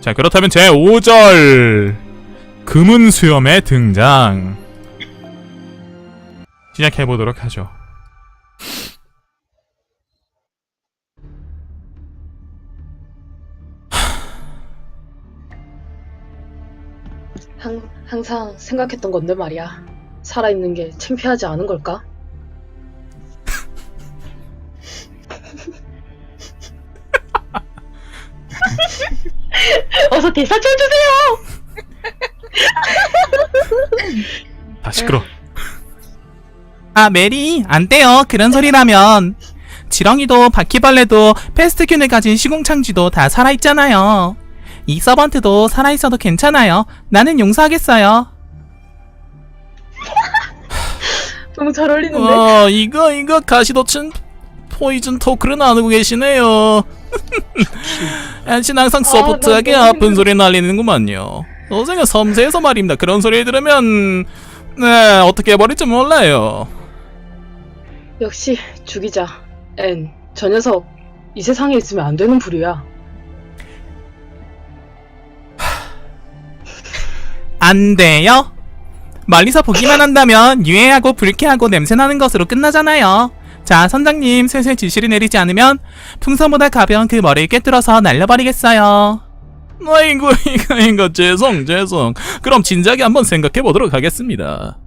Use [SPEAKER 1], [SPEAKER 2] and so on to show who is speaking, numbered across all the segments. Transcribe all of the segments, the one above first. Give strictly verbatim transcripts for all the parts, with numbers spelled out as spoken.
[SPEAKER 1] 자, 그렇다면 제오 절 금은 수염의 등장 시작해보도록 하죠.
[SPEAKER 2] 항, 항상 생각했던 건데 말이야. 살아있는 게 창피하지 않은 걸까? 어서 대사 쳐주세요!
[SPEAKER 1] 다 시끄러.
[SPEAKER 3] 아, 메리, 안 돼요. 그런 소리라면. 지렁이도 바퀴벌레도 패스트균을 가진 시궁창쥐도 다 살아있잖아요. 이 서번트도 살아있어도 괜찮아요. 나는 용서하겠어요.
[SPEAKER 2] 너무 잘 어울리는데?
[SPEAKER 1] 어, 이거 이거 가시도친 포이즌 토크를 나누고 계시네요. 엔신 항상 소프트하게
[SPEAKER 2] 나 너무
[SPEAKER 1] 아픈
[SPEAKER 2] 힘들어.
[SPEAKER 1] 소리 날리는구만요. 선생은 섬세해서 말입니다. 그런 소리 들으면 네 어떻게 해버릴지 몰라요.
[SPEAKER 2] 역시 죽이자. 앤, 저 녀석 이 세상에 있으면 안 되는 부류야.
[SPEAKER 3] 안 돼요? 멀리서 보기만 한다면 유해하고 불쾌하고 냄새나는 것으로 끝나잖아요. 자, 선장님, 슬슬 지시를 내리지 않으면 풍선보다 가벼운 그 머리를 꿰뚫어서 날려버리겠어요.
[SPEAKER 1] 아이고 이거 이거 죄송 죄송. 그럼 진작에 한번 생각해 보도록 하겠습니다.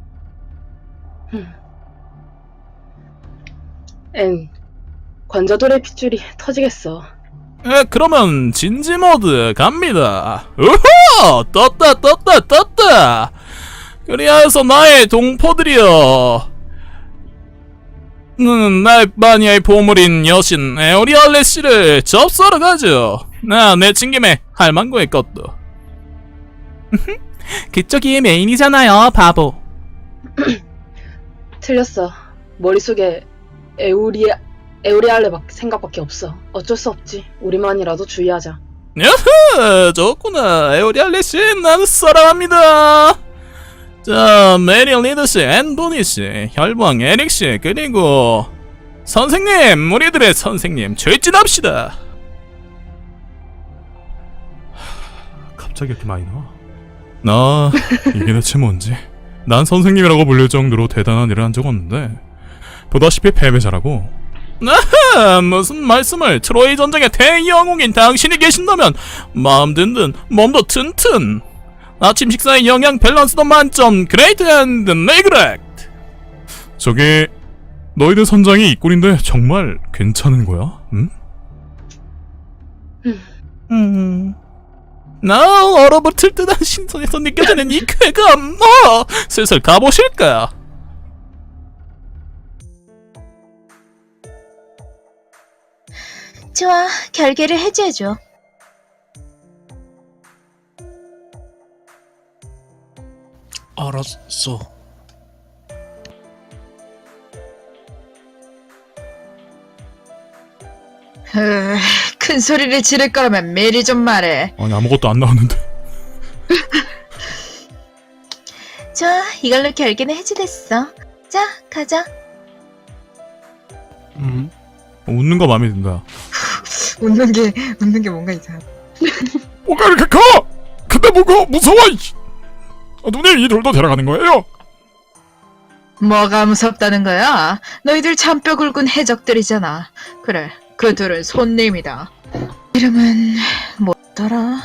[SPEAKER 2] 앤, 관자돌의 핏줄이 터지겠어.
[SPEAKER 1] 에, 그러면 진지 모드 갑니다. 우후! 떴다 떴다 떴다. 그리하여서 나의 동포들이여, 음, 날바니아의 보물인 여신 에오리알레 씨를 접수하러 가죠. 나 내친 김에 할망구의 것도.
[SPEAKER 3] 그쪽이 메인이잖아요, 바보.
[SPEAKER 2] 틀렸어. 머릿속에 에우리, 에우리알레 박- 생각밖에 없어. 어쩔 수 없지. 우리만이라도 주의하자.
[SPEAKER 1] 야흐! 좋구나. 에오리알레 씨, 나는 사랑합니다. 자, 메리 리드 씨, 앤보니 씨, 혈방 에릭 씨, 그리고 선생님, 우리들의 선생님, 출진합시다. 갑자기 이렇게 많이 나와? 나 이게 대체 뭔지. 난 선생님이라고 불릴 정도로 대단한 일을 한 적 없는데 보다시피 패배자라고. 아하, 무슨 말씀을. 트로이 전쟁의 대영웅인 당신이 계신다면 마음 든든 몸도 튼튼, 아침 식사의 영양 밸런스도 만점, 그레이트 앤드 네그렉트. 저기 너희들 선장이 이 꼴인데 정말 괜찮은 거야? 응?
[SPEAKER 3] 음...
[SPEAKER 1] 나 얼어붙을 듯한 신선에서 느껴지는 이 쾌감. 어, 슬슬 가보실까?
[SPEAKER 4] 좋아, 결계를 해제해줘.
[SPEAKER 1] 알았어.
[SPEAKER 5] 으, 큰 소리를 지를 거라면 미리 좀 말해.
[SPEAKER 1] 아니 아무것도 안 나왔는데.
[SPEAKER 4] 좋아, 이걸로 결계는 해제됐어. 자, 가자.
[SPEAKER 1] 음. 웃는 거 마음에 든다.
[SPEAKER 5] 웃는 게 웃는 게 뭔가 이상.
[SPEAKER 1] 뭐가 이렇게 커? 근데 뭐가 무서워? 아, 누님 이 돌도 데려가는 거예요?
[SPEAKER 5] 뭐가 무섭다는 거야? 너희들 잔뼈 굵은 해적들이잖아. 그래, 그 둘은 손님이다. 이름은 뭐더라?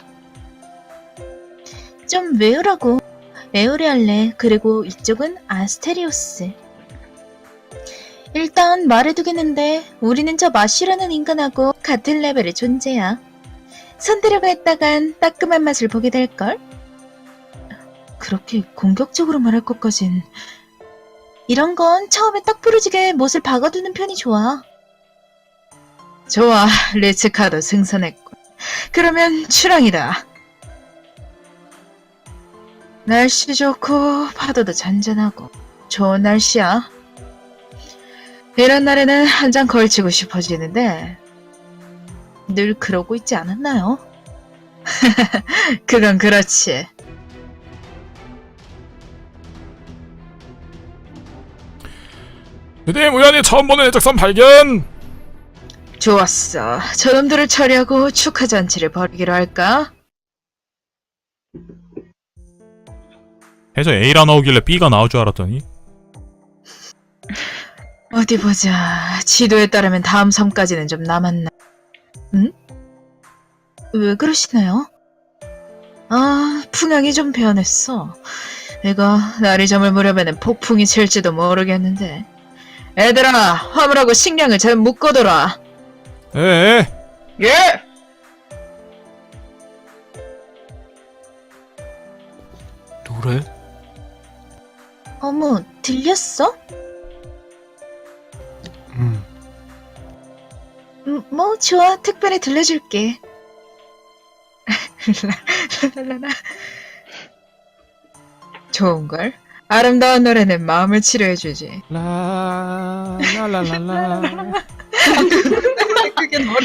[SPEAKER 4] 좀 외우라고. 에오리알레, 그리고 이쪽은 아스테리오스. 일단 말해두겠는데 우리는 저 마쉬라는 인간하고 같은 레벨의 존재야. 손대려고 했다간 따끔한 맛을 보게 될걸?
[SPEAKER 5] 그렇게 공격적으로 말할 것까진.
[SPEAKER 4] 이런 건 처음에 딱 부러지게 못을 박아두는 편이 좋아.
[SPEAKER 5] 좋아, 리츠카도 승선했고. 그러면 출항이다. 날씨 좋고 파도도 잔잔하고 좋은 날씨야. 이런 날에는 한 잔 걸치고 싶어지는데 늘 그러고 있지 않았나요? 그건 그렇지.
[SPEAKER 1] 드디어 우연히 처음 보는 해적선 발견.
[SPEAKER 5] 좋았어. 저놈들을 처리하고 축하잔치를 벌이기로 할까?
[SPEAKER 1] 해저 A라 나오길래 B가 나올 줄 알았더니
[SPEAKER 5] 어디 보자. 지도에 따르면 다음 섬까지는 좀 남았나? 응? 왜 그러시나요? 아, 풍향이 좀 변했어. 이거 날이 저물 무렵에는 폭풍이 칠지도 모르겠는데. 애들아, 화물하고 식량을 잘 묶어둬라.
[SPEAKER 1] 에에
[SPEAKER 5] 예!
[SPEAKER 6] 노래?
[SPEAKER 4] 어머, 들렸어?
[SPEAKER 6] 음.
[SPEAKER 4] 음, 뭐 좋아, 특별히 들려줄게.
[SPEAKER 5] 라라라라. 좋은걸? 아름다운 노래는 마음을 치료해주지.
[SPEAKER 6] 라, 라라라라.
[SPEAKER 5] 그게 노래.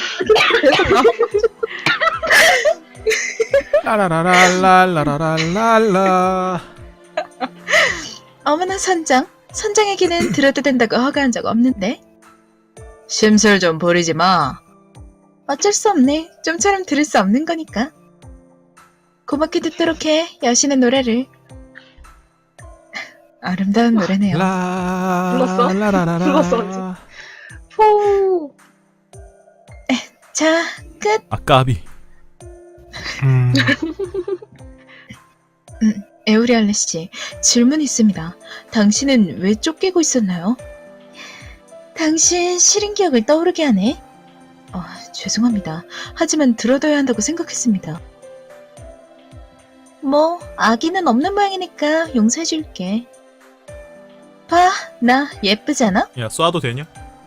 [SPEAKER 6] 라라라라라라라라.
[SPEAKER 4] 어머나 선장, 선장에게는 들어도 된다고 허가한 적 없는데.
[SPEAKER 5] 심술 좀 부리지 마.
[SPEAKER 4] 어쩔 수 없네. 좀처럼 들을 수 없는 거니까. 고맙게 듣도록 해, 여신의 노래를.
[SPEAKER 5] 아름다운 노래네요.
[SPEAKER 6] 라,
[SPEAKER 2] 불렀어?
[SPEAKER 6] 라라라라.
[SPEAKER 2] 불렀어, 포.
[SPEAKER 4] 자, 끝.
[SPEAKER 1] 아까비
[SPEAKER 6] 음.
[SPEAKER 4] 에우리알레 씨, 질문 있습니다. 당신은 왜 쫓기고 있었나요? 당신 싫은 기억을 떠오르게 하네. 어, 죄송합니다. 하지만 들어둬야 한다고 생각했습니다. 뭐, 아기는 없는 모양이니까 용서해줄게. 봐, 나 예쁘잖아?
[SPEAKER 1] 야 쏴도 되냐?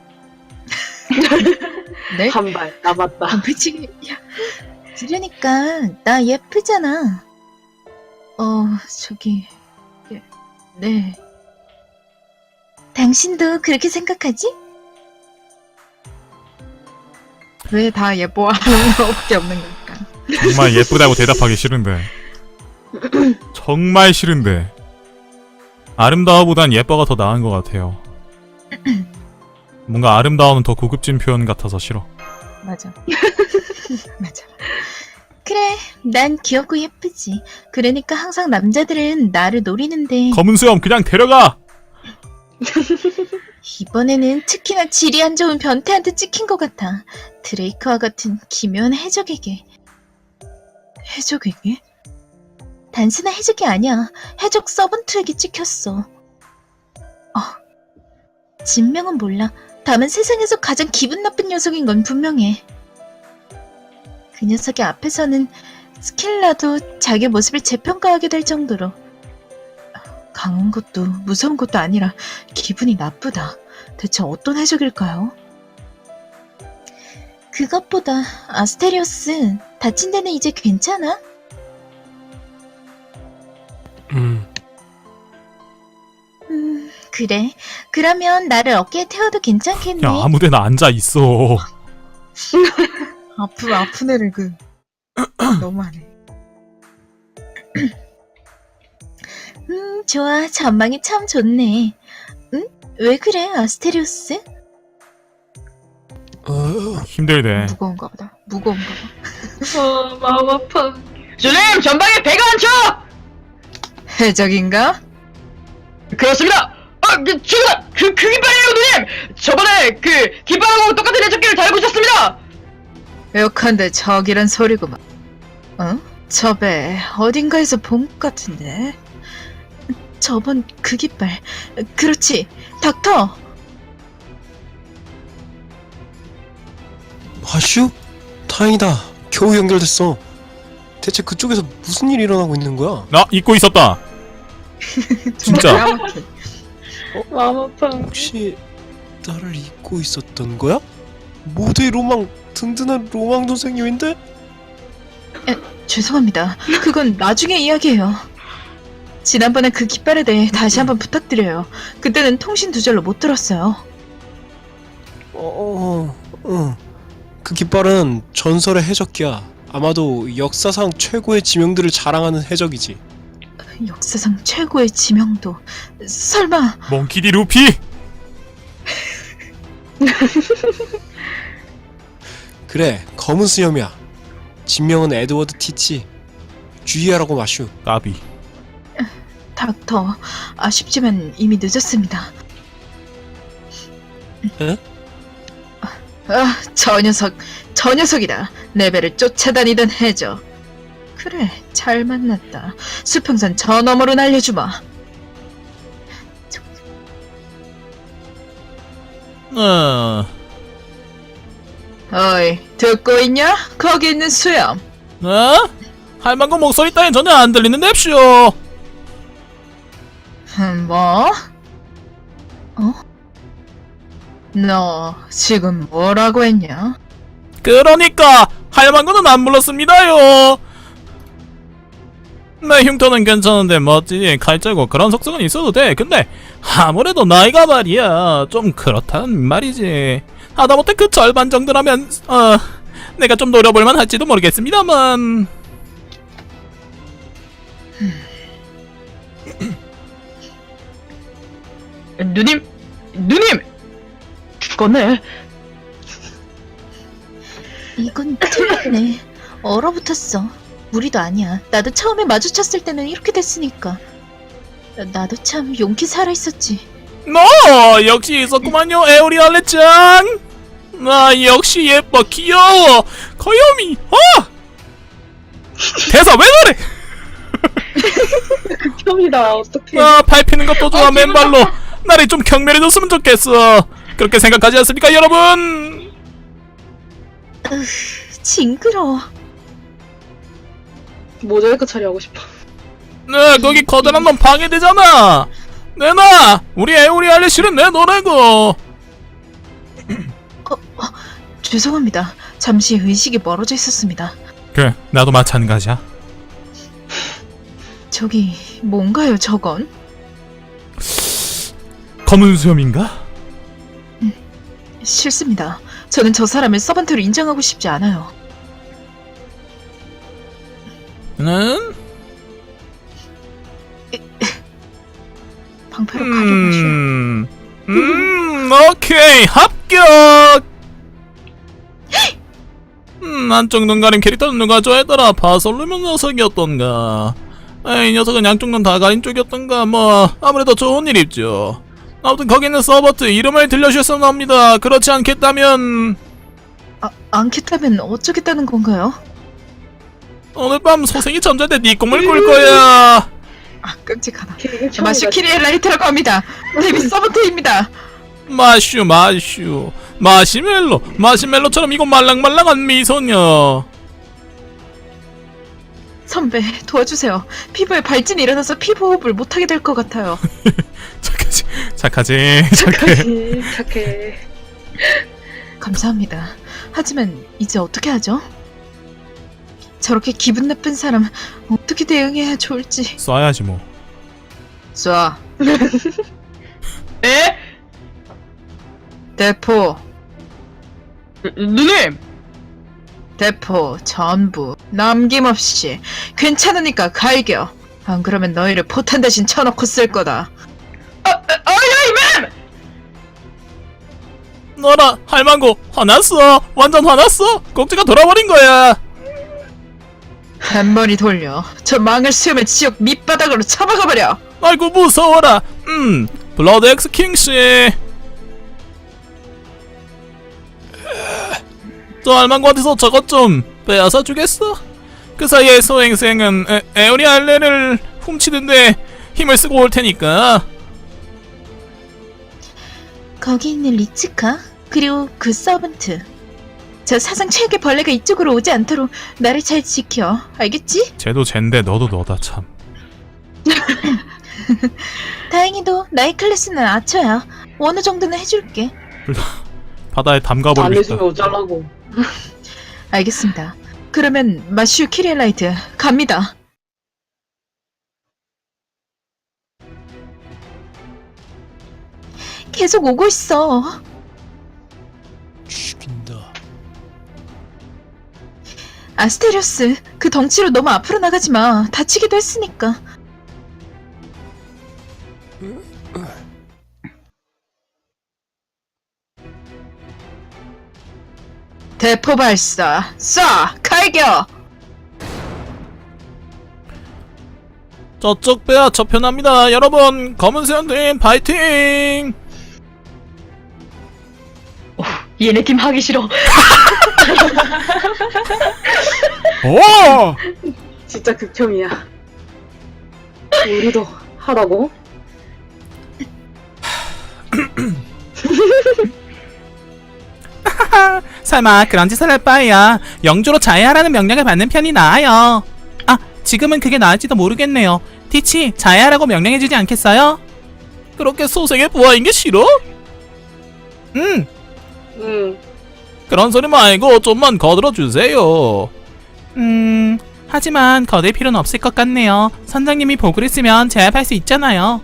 [SPEAKER 5] 네?
[SPEAKER 2] 한 발 남았다.
[SPEAKER 5] 배치기. 야,
[SPEAKER 4] 그러니까 나 예쁘잖아. 어, 저기, 예, 네. 당신도 그렇게 생각하지?
[SPEAKER 5] 왜 다 예뻐하는 거밖에 없는 걸까?
[SPEAKER 1] 정말 예쁘다고 대답하기 싫은데 정말 싫은데 아름다워보단 예뻐가 더 나은 것 같아요. 뭔가 아름다움은 더 고급진 표현 같아서 싫어.
[SPEAKER 5] 맞아. 맞아.
[SPEAKER 4] 그래, 난 귀엽고 예쁘지. 그러니까 항상 남자들은 나를 노리는데
[SPEAKER 1] 검은 수염 그냥 데려가!
[SPEAKER 4] 이번에는 특히나 질이 안 좋은 변태한테 찍힌 것 같아. 드레이크와 같은 기묘한 해적에게.
[SPEAKER 5] 해적에게?
[SPEAKER 4] 단순한 해적이 아니야. 해적 서번트에게 찍혔어. 어, 진명은 몰라. 다만 세상에서 가장 기분 나쁜 녀석인 건 분명해. 그 녀석의 앞에서는 스켈라도 자기 모습을 재평가하게 될 정도로 강한 것도 무서운 것도 아니라 기분이 나쁘다. 대체 어떤 해적일까요? 그것보다 아스테리오스, 다친 데는 이제 괜찮아?
[SPEAKER 6] 음.
[SPEAKER 4] 음, 그래. 그러면 나를 어깨에 태워도 괜찮겠네.
[SPEAKER 1] 야 아무데나 앉아있어.
[SPEAKER 5] 아프, 아픈 애를 그. 너무하네.
[SPEAKER 4] 음, 좋아. 전망이 참 좋네. 응? 왜 그래, 아스테리오스?
[SPEAKER 6] 어,
[SPEAKER 1] 힘들대.
[SPEAKER 5] 무거운가 보다. 무거운가 봐.
[SPEAKER 2] 어, 마음 아파.
[SPEAKER 7] 주님, 전방에 배가 많죠?
[SPEAKER 5] 해적인가?
[SPEAKER 7] 그렇습니다. 아, 그, 저거다! 그, 그 깃발이에요, 누님! 저번에 그 깃발하고 똑같은 해적기를 달고 있었습니다!
[SPEAKER 5] 욕한데 적이란 소리구만. 어? 저 배 어딘가에서 본 것 같은데.
[SPEAKER 4] 저번 그 깃발. 그렇지. 닥터.
[SPEAKER 6] 마슈? 다행이다. 겨우 연결됐어. 대체 그쪽에서 무슨 일이 일어나고 있는 거야?
[SPEAKER 1] 나 잊고 있었다. 진짜.
[SPEAKER 5] 까맣게.
[SPEAKER 2] 마음 아파.
[SPEAKER 6] 혹시 나를 잊고 있었던 거야? 모두의 로망, 든든한 로망 선생님인데?
[SPEAKER 4] 죄송합니다. 그건 나중에 이야기해요. 지난번에 그 깃발에 대해 다시 한번 부탁드려요. 그때는 통신 두절로 못 들었어요.
[SPEAKER 6] 어, 어, 어. 그 깃발은 전설의 해적기야. 아마도 역사상 최고의 지명들을 자랑하는 해적이지.
[SPEAKER 4] 역사상 최고의 지명도. 설마
[SPEAKER 1] 몽키디 루피!
[SPEAKER 6] 그래, 검은 수염이야. 진명은 에드워드 티치. 주의하라고 마슈.
[SPEAKER 1] 까비.
[SPEAKER 5] 닥터, 아쉽지만 이미 늦었습니다.
[SPEAKER 6] 에?
[SPEAKER 5] 아, 저 녀석, 저 녀석이다. 레벨을 쫓아다니던 해적. 그래, 잘 만났다. 수평선 저 너머로 날려주마.
[SPEAKER 1] 어...
[SPEAKER 5] 어이, 듣고 있냐? 거기 있는 수염.
[SPEAKER 1] 어? 할망구 목소리 따윈 전혀 안 들리는 냅쇼.
[SPEAKER 5] 음, 뭐? 어? 너 지금 뭐라고 했냐?
[SPEAKER 1] 그러니까 할망구는 안 불렀습니다요. 내 흉터는 괜찮은데 멋지 칼자고 그런 속성은 있어도 돼. 근데 아무래도 나이가 말이야 좀 그렇단 말이지. 하다못해 그 절반 정도라면 어 내가 좀 노려볼만 할지도 모르겠습니다만.
[SPEAKER 7] 누님, 누님! 죽었네.
[SPEAKER 4] 이건 틀렸네. 얼어붙었어. 무리도 아니야. 나도 처음에 마주쳤을 때는 이렇게 됐으니까. 나도 참 용기 살아있었지.
[SPEAKER 1] 너 역시 있었구만요 에오리알레 짱. 아 역시 예뻐 귀여워 거요미. 어 대사 왜 그래.
[SPEAKER 2] 극혐이다. 어떡해.
[SPEAKER 1] 아 밟히는 것도 좋아. 맨발로 날이 좀 경멸해졌으면 좋겠어. 그렇게 생각하지 않습니까 여러분?
[SPEAKER 4] 으, 징그러워.
[SPEAKER 2] 모자이크 처리하고 싶어.
[SPEAKER 1] 네 거기 커다란 놈 방해되잖아. 내놔. 우리 에오리알레 실은 내 노래고.
[SPEAKER 5] 죄송합니다. 잠시 의식이 멀어져 있었습니다.
[SPEAKER 1] 그래 나도 마찬가지야.
[SPEAKER 5] 저기, 뭔가요, 저건?
[SPEAKER 1] 검은 수염인가?
[SPEAKER 5] 싫습니다. 저는 저 사람을 서번트로 인정하고 싶지 않아요.
[SPEAKER 1] 는?
[SPEAKER 5] 방패로 가려마셔.
[SPEAKER 1] 음, 음, 오케이 합격. 음, 한쪽 눈 가린 캐릭터는 누가 좋아했더라. 바솔루면 녀석이었던가. 에이, 이 녀석은 양쪽 눈 다 가린 쪽이었던가. 뭐 아무래도 좋은 일이죠. 아무튼 거기 있는 서버트 이름을 들려주셨으면 합니다. 그렇지 않겠다면
[SPEAKER 5] 아, 않겠다면 어쩌겠다는 건가요?
[SPEAKER 1] 오늘 밤 소생이 잠잘 때 네 꿈을 꿀 거야.
[SPEAKER 5] 아, 끔찍하다.
[SPEAKER 2] 극혐이다.
[SPEAKER 5] 마슈키리의 라이트라고 합니다. 데뷔 서번트입니다.
[SPEAKER 1] 마슈 마슈 마시멜로 마시멜로처럼 이거 말랑말랑한 미소녀.
[SPEAKER 5] 선배, 도와주세요. 피부에 발진이 일어나서 피부 호흡을 못하게 될 것 같아요.
[SPEAKER 1] 착하지 착하지 착해.
[SPEAKER 2] 착하지, 착해.
[SPEAKER 5] 감사합니다. 하지만 이제 어떻게 하죠? 저렇게 기분 나쁜 사람 어떻게 대응해야 좋을지.
[SPEAKER 1] 쏴야지 뭐.
[SPEAKER 5] 쏴.
[SPEAKER 7] 에?
[SPEAKER 5] 대포.
[SPEAKER 7] 누- 누님!
[SPEAKER 5] 대포 전부 남김없이. 괜찮으니까 갈겨. 안 그러면 너희를 포탄 대신 쳐놓고 쓸 거다.
[SPEAKER 7] 아, 아, 아이, 맴!
[SPEAKER 1] 너라 할망구 화났어. 완전 화났어. 꼭지가 돌아버린 거야.
[SPEAKER 5] 한 번이 돌려 저 망을 수염의 지옥 밑바닥으로 처박아버려.
[SPEAKER 1] 아이고 무서워라. 음 블러드 엑스 킹씨. 저 할망구한테서 저것 좀 빼앗아 주겠어? 그 사이에 소행생은 에, 에오리 알레를 훔치는데 힘을 쓰고 올 테니까.
[SPEAKER 4] 거기 있는 리츠카 그리고 그 서번트. 저 사상 최악의 벌레가 이쪽으로 오지 않도록 나를 잘 지켜. 알겠지?
[SPEAKER 1] 쟤도 쟤인데 너도 너다 참.
[SPEAKER 4] 다행히도 나의 클래스는 아처야. 어느 정도는 해줄게.
[SPEAKER 1] 바다에
[SPEAKER 2] 안
[SPEAKER 1] 담가버리겠다.
[SPEAKER 2] 해주면 어쩌라고.
[SPEAKER 5] 알겠습니다. 그러면 마슈 키리엘라이트 갑니다.
[SPEAKER 4] 계속 오고 있어.
[SPEAKER 6] 죽인다.
[SPEAKER 5] 아스테리오스, 그 덩치로 너무 앞으로 나가지 마. 다치기도 했으니까. 대포 포발사 쏴 갈겨.
[SPEAKER 3] 저쪽 배야 저편합니다. 여러분 검은 수염팀 파이팅!
[SPEAKER 7] 얘네 팀 하기 싫어.
[SPEAKER 1] 오!
[SPEAKER 2] 진짜 극혐이야. 우리도 하라고?
[SPEAKER 3] 설마 그런 짓을 할 바에야 영주로 자해하라는 명령을 받는 편이 나아요. 아, 지금은 그게 나을지도 모르겠네요. 티치, 자해하라고 명령해주지 않겠어요? 그렇게 소생의 부하인 게 싫어? 응,
[SPEAKER 2] 응.
[SPEAKER 3] 그런 소리 말고 좀만 거들어주세요. 음, 하지만 거들 필요는 없을 것 같네요. 선장님이 보고를 쓰면 제압할 수 있잖아요.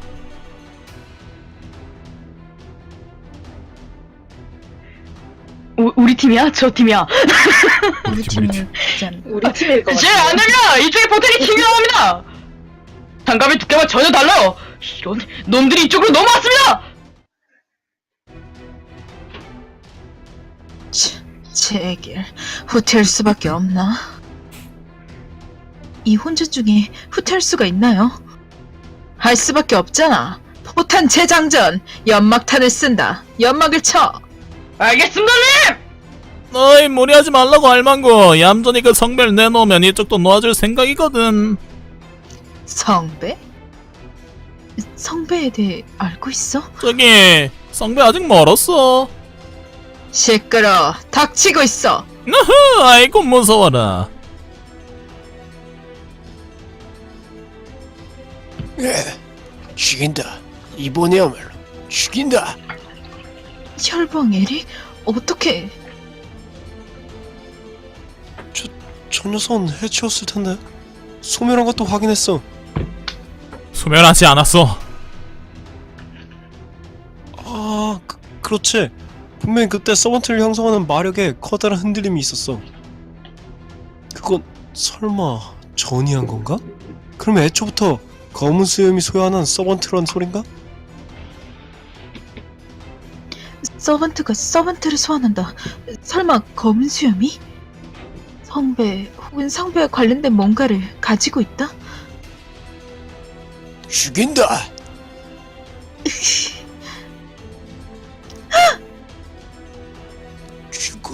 [SPEAKER 7] 우, 우리 팀이야? 저 팀이야?
[SPEAKER 5] 우리
[SPEAKER 1] 팀, 우리
[SPEAKER 5] 팀을 짠.
[SPEAKER 2] 우리 팀일 것
[SPEAKER 7] 제
[SPEAKER 2] 같아.
[SPEAKER 7] 안되면 이쪽에 포텐이 튀겨나옵니다. 장갑의 두께가 전혀 달라요. 이런 놈들이 이쪽으로 넘어왔습니다.
[SPEAKER 5] 제길 후퇴할 수밖에 없나? 이 혼자 중에 후퇴할 수가 있나요? 할 수밖에 없잖아. 포탄 재장전, 연막탄을 쓴다. 연막을 쳐.
[SPEAKER 7] 알겠습니다, 님.
[SPEAKER 3] 어이, 무리하지 말라고 알망구. 얌전히 그 성배를 내놓으면 이쪽도 놓아줄 생각이거든.
[SPEAKER 5] 성배? 성배에 대해 알고 있어?
[SPEAKER 3] 저기 성배 아직 멀었어.
[SPEAKER 5] 시끄러. 닥치고 있어.
[SPEAKER 3] 으흐, 아이고 무서워라.
[SPEAKER 6] 예, 죽인다. 이번에야말로 죽인다.
[SPEAKER 5] 혈봉 에릭? 어떻게?
[SPEAKER 6] 저 녀석은 해치웠을 텐데. 소멸한 것도 확인했어.
[SPEAKER 3] 소멸하지 않았어.
[SPEAKER 6] 아, 그, 그렇지. 분명히 그때 서번트를 형성하는 마력에 커다란 흔들림이 있었어. 그건 설마 전이한 건가? 그럼 애초부터 검은 수염이 소유하는 서번트란 소린가?
[SPEAKER 5] 서번트가 서번트를 소환한다. 설마 검은 수염이? 성배 혹은 성배와 관련된 뭔가를 가지고 있다?
[SPEAKER 6] 죽인다. 죽어.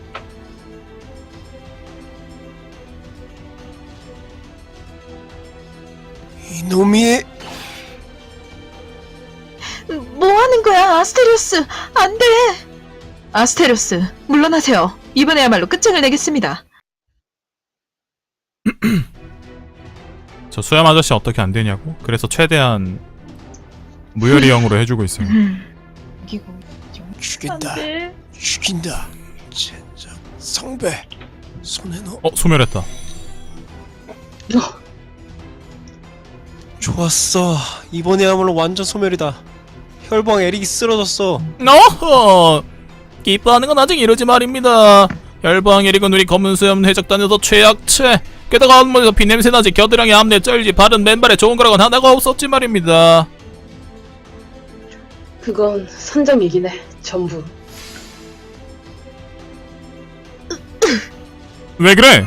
[SPEAKER 6] 이놈이.
[SPEAKER 5] 뭐 하는 거야, 아스테리오스? 안 돼! 아스테리오스, 물러나세요. 이번에야말로 끝장을 내겠습니다.
[SPEAKER 1] 저 수염 아저씨 어떻게 안 되냐고? 그래서 최대한 무혈이형으로 해주고 있어요.
[SPEAKER 5] 이거
[SPEAKER 6] 죽인다. 죽인다. 젠장. 성배. 손에 넣어.
[SPEAKER 1] 어, 소멸했다.
[SPEAKER 6] 좋았어. 이번에야말로 완전 소멸이다. 혈방 에릭이 쓰러졌어.
[SPEAKER 3] 어허, 기뻐하는 건 아직 이러지 말입니다. 혈방 에릭은 우리 검은 수염 해적단에서 최약체. 게다가 한번에서 비냄새 나지, 겨드랑이 암내 쩔지, 바른 맨발에 좋은 거라곤 하나가 없었지 말입니다.
[SPEAKER 2] 그건 선정이긴 해. 전부.
[SPEAKER 1] 왜 그래?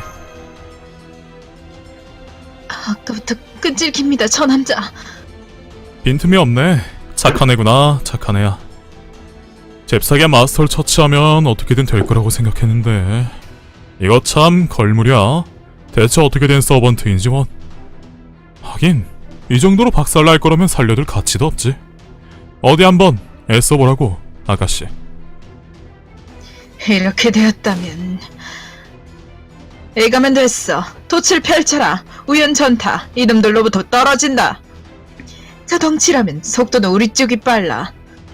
[SPEAKER 5] 아까부터 끈질깁니다, 저 남자.
[SPEAKER 1] 빈틈이 없네. 착한 애구나, 착한 애야. 잽싸게 마스터를 처치하면 어떻게든 될 거라고 생각했는데 이거 참 걸물이야. 대체 어떻게 된 서번트인지 원. 하긴 이 정도로 박살날 거라면 살려둘 가치도 없지. 어디 한번 애써보라고, 아가씨.
[SPEAKER 5] 이렇게 되었다면 애가면 됐어. 돛을 펼쳐라. 우연전타. 이놈들로부터 떨어진다. 저 덩치라면 속도는 우리 쪽이 빨라.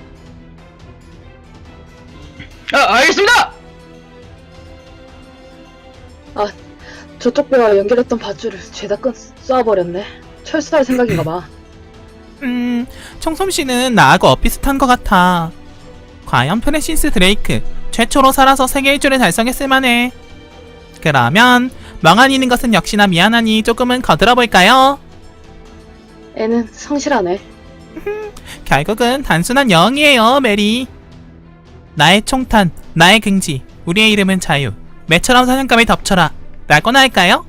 [SPEAKER 7] 아, 알겠습니다.
[SPEAKER 2] 아, 저쪽 배와 연결했던 밧줄을 죄다 끈 쏴버렸네. 철수할 생각인가 봐.
[SPEAKER 3] 음, 청솜씨는 나하고 엇비슷한 것 같아. 과연 프레시스 드레이크, 최초로 살아서 세계 일주를 달성했을 만해. 그러면 멍하니 있는 것은 역시나 미안하니 조금은 거들어볼까요?
[SPEAKER 2] 애는 성실하네.
[SPEAKER 3] 결국은 단순한 영이에요, 메리. 나의 총탄, 나의 긍지, 우리의 이름은 자유. 매처럼 사냥감을 덮쳐라. 라고나 할까요?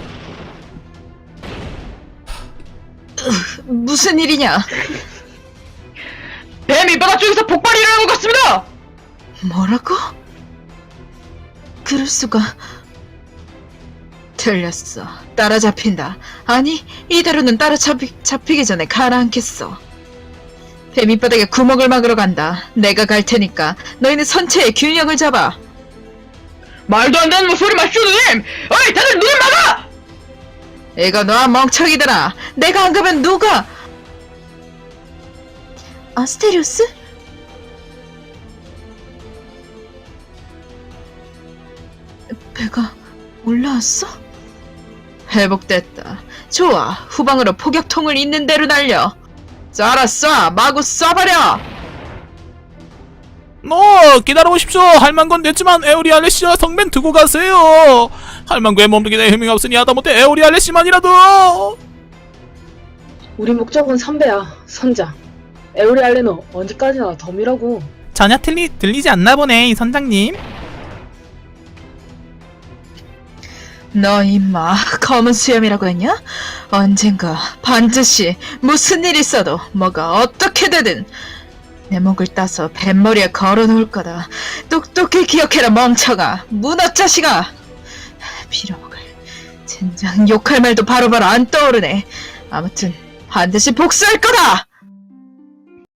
[SPEAKER 5] 무슨 일이냐?
[SPEAKER 7] 배 밑바닥 쪽에서 폭발이 일어난 것 같습니다!
[SPEAKER 5] 뭐라고? 그럴 수가. 틀렸어. 따라잡힌다. 아니, 이대로는 따라잡히, 잡히기 전에 가라앉겠어. 배 밑바닥에 구멍을 막으러 간다. 내가 갈 테니까 너희는 선체의 균형을 잡아.
[SPEAKER 7] 말도 안 되는 소리 마시오, 누님! 어이, 다들 눈을 막아!
[SPEAKER 5] 이거 놔, 멍청이들아. 내가 안 가면 누가?
[SPEAKER 4] 아스테리오스?
[SPEAKER 5] 배가 올라왔어? 회복됐다. 좋아. 후방으로 포격통을 있는 대로 날려. 쏴라 쏴! 마구 쏴버려!
[SPEAKER 3] 어, 기다려보십시오. 할망건 됐지만 에오리 알레시와 성맨 두고 가세요. 할망구의 몸무게에 힘이 없으니 하다못해 에오리 알레시만이라도.
[SPEAKER 2] 우리 목적은 선배야, 선장. 에오리알레는 언제까지나 덤이라고.
[SPEAKER 3] 전혀 틀리, 들리지 않나 보네, 이 선장님.
[SPEAKER 5] 너 임마 검은 수염이라고 했냐? 언젠가 반드시 무슨 일 있어도 뭐가 어떻게 되든 내 목을 따서 뱃머리에 걸어놓을 거다. 똑똑히 기억해라 멍청아. 문어 자식아. 빌어먹을 젠장 욕할 말도 바로바로 안 떠오르네. 아무튼 반드시 복수할 거다.